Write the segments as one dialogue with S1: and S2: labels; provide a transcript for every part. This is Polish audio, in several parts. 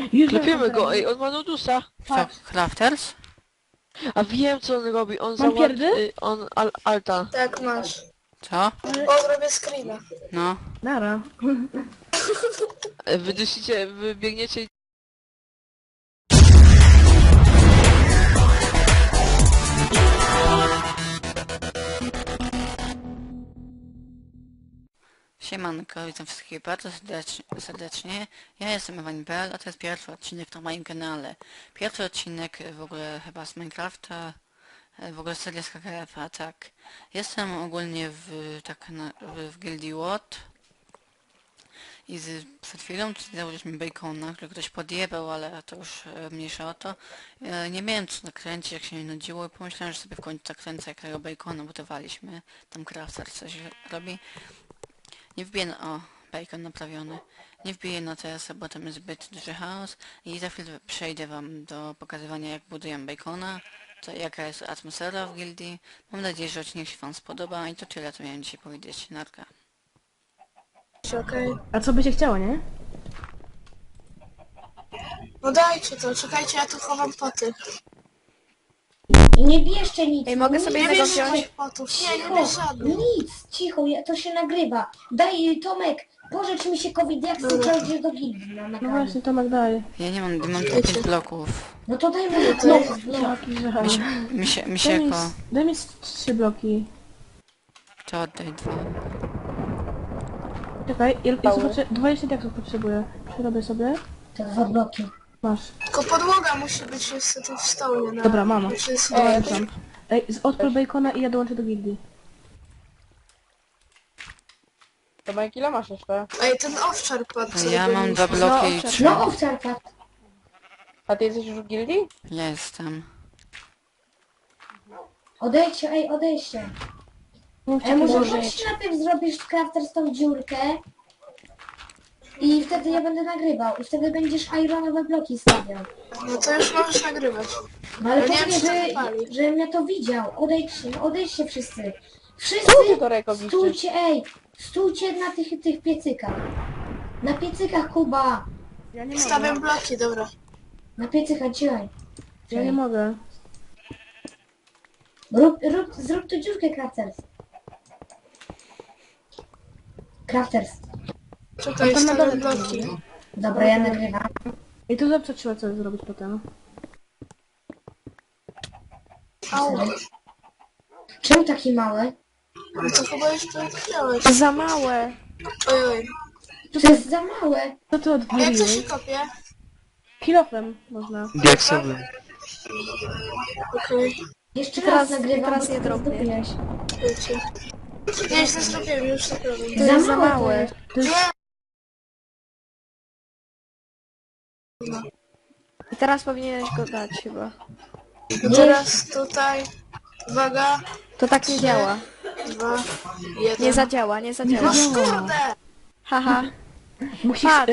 S1: Już
S2: Klepiemy go, ej, on ma nudusa.
S3: Co,
S1: Patrz.
S3: Crafters?
S2: A wiem co on robi, on
S1: Mam pierdy?
S2: on alta.
S4: Tak, masz.
S3: Co?
S4: O, zrobię screena.
S3: No.
S1: Nara.
S2: Wy biegniecie.
S3: Siemanko, witam wszystkich bardzo serdecznie. Ja jestem Ewan.pl, a to jest pierwszy odcinek na moim kanale. Pierwszy odcinek w ogóle chyba z Minecrafta, w ogóle seria z KKF-a, tak. Jestem ogólnie w gildii WOT i przed chwilą założyliśmy bacona, który ktoś podjebał, ale to już mniejsza o to. Nie miałem co nakręcić, jak się mi nudziło i pomyślałem, że sobie w końcu zakręcę jakiego bacona budowaliśmy. Tam crafter coś robi. Nie wbiję na... O, bacon naprawiony. Nie wbiję na TS, bo tam jest zbyt duży chaos i za chwilę przejdę wam do pokazywania, jak buduję bacona, jaka jest atmosfera w gildii. Mam nadzieję, że odcinek się wam spodoba i to tyle, co miałem dzisiaj powiedzieć. Narka.
S4: Okej.
S1: A co by się chciało, nie?
S4: No dajcie to, czekajcie, ja tu chowam poty.
S5: I nie bierzcie nic.
S6: Ej, mogę sobie
S4: Nie
S6: tego
S4: bierz
S6: wziąć?
S4: moich potów. Nie, nie
S5: Cicho,
S4: bierz żadnych.
S5: nic, cicho, to się nagrywa. Daj, Tomek, pożycz mi się COVID, jak chcę przejść do gildii na
S1: No
S5: nagranie.
S1: właśnie, Tomek daje.
S3: Ja nie mam tylko 5 bloków.
S5: No to daj mu
S4: to
S5: no,
S4: jest
S5: no.
S1: Jaki żal.
S3: Mi się jako...
S1: Daj mi 3 bloki.
S3: To oddaj 2.
S1: Czekaj, ja 20 diaksów potrzebuję. Przerobię sobie.
S5: To 2 bloki.
S1: Masz.
S4: Tylko podłoga musi być niestety w stołnie. Na...
S1: Dobra, mama.
S4: Znaczy jest
S1: Dołączam. Ej, odpal bacona i ja dołączę do gildii.
S6: Tomek, ile masz jeszcze?
S4: Ej, ten owczar padł. co
S3: Ja mam 2
S4: robiliśmy.
S3: bloki i 3.
S5: No, owczarka.
S6: A ty jesteś już w gildii?
S3: Jestem.
S5: Odejdźcie, ej, odejdźcie.
S1: Mówcie,
S5: Ej, może
S1: kiedy-
S5: chodź najpierw zrobisz crafter z tą dziurkę. I wtedy ja będę nagrywał. I wtedy będziesz ironowe bloki stawiał.
S4: No to już możesz nagrywać.
S5: No ale
S4: No nie wiem,
S5: powiedz,
S4: czy to wypali.
S5: że mnie to widział. Odejdźcie, no odejdźcie wszyscy. Wszyscy
S6: Co ty to Reko widzisz?
S5: stójcie, ej, stójcie na tych piecykach. Na piecykach, Kuba.
S1: Ja nie mogę.
S4: Stawiam bloki, dobra.
S5: Na piecykach, dzisiaj.
S1: Ja nie mogę.
S5: Zrób tu dziurkę, Crafters. Crafters.
S4: Czekaj,
S1: to na dole
S4: stawiam bloki.
S5: Dobra, ja nagrywam.
S1: I tu zawsze trzeba coś zrobić potem.
S4: Au.
S5: Czemu taki mały?
S4: No to chyba już to wziąłeś.
S6: Za małe.
S4: Oj, oj.
S5: To jest za małe.
S1: Co ty
S4: Jak to
S1: odwaliłeś?
S4: się kopie?
S1: Kilofem można.
S2: Diaksowym.
S4: Okej.
S5: Jeszcze
S6: Teraz-
S5: raz nagrywam,
S6: teraz
S5: bo
S6: nie
S5: ty
S6: drobnie.
S5: zdobyłeś.
S4: Wiecie. Nie, źle zrobiłem, już tak robię.
S6: To jest za małe.
S5: to jest.
S1: To jest...
S6: I teraz powinieneś go dać chyba.
S4: No teraz tutaj. Uwaga.
S6: To tak nie działa.
S4: 2, 1.
S6: Nie zadziała, nie zadziała.
S4: Kurde!
S6: Haha.
S1: Musisz...
S6: Patrz.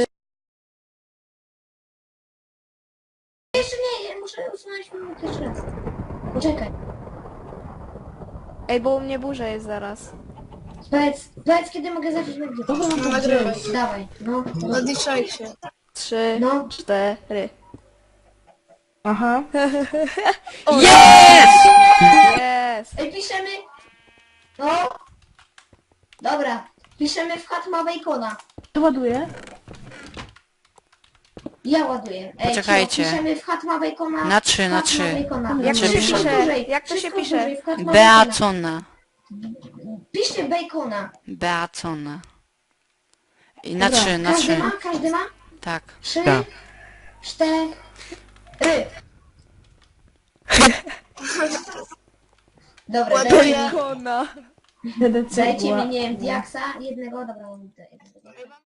S5: Jeszcze nie, muszę usunąć minutę jeszcze raz. Poczekaj.
S6: Ej, bo u mnie burza jest zaraz.
S5: Powiedz kiedy mogę zacząć nagrywać.
S1: Dobra,
S4: No nagrywaj.
S5: Dawaj, no.
S4: Odliczajcie.
S6: 3,
S5: No.
S6: 4.
S1: Aha.
S6: Jest!
S5: Ej, piszemy... No. Dobra. Piszemy w chat ma bacona.
S1: To ładuję.
S5: Ja ładuję. Ej,
S3: Poczekajcie.
S5: Piszemy w chat ma bacona.
S3: Na 3, na
S5: w chat ma
S3: 3.
S5: bacona.
S6: Jak
S3: to
S5: Wszystko
S3: się pisze?
S5: dłużej,
S6: Jak to się
S5: wszystko
S6: pisze?
S5: dłużej, w chat ma bacona.
S3: Beacona.
S5: Piszcie bacona.
S3: Beacona. I
S1: Dobra.
S3: na 3, na
S5: Każdy
S3: 3.
S5: ma? Każdy ma?
S3: Tak.
S5: 3,
S2: Tak.
S5: 4. Dobra,
S4: Ładuję.
S6: Kona.
S1: DDC
S5: dajcie
S1: była.
S5: mi, nie wiem, diaksa jednego, dobra, mam jednego.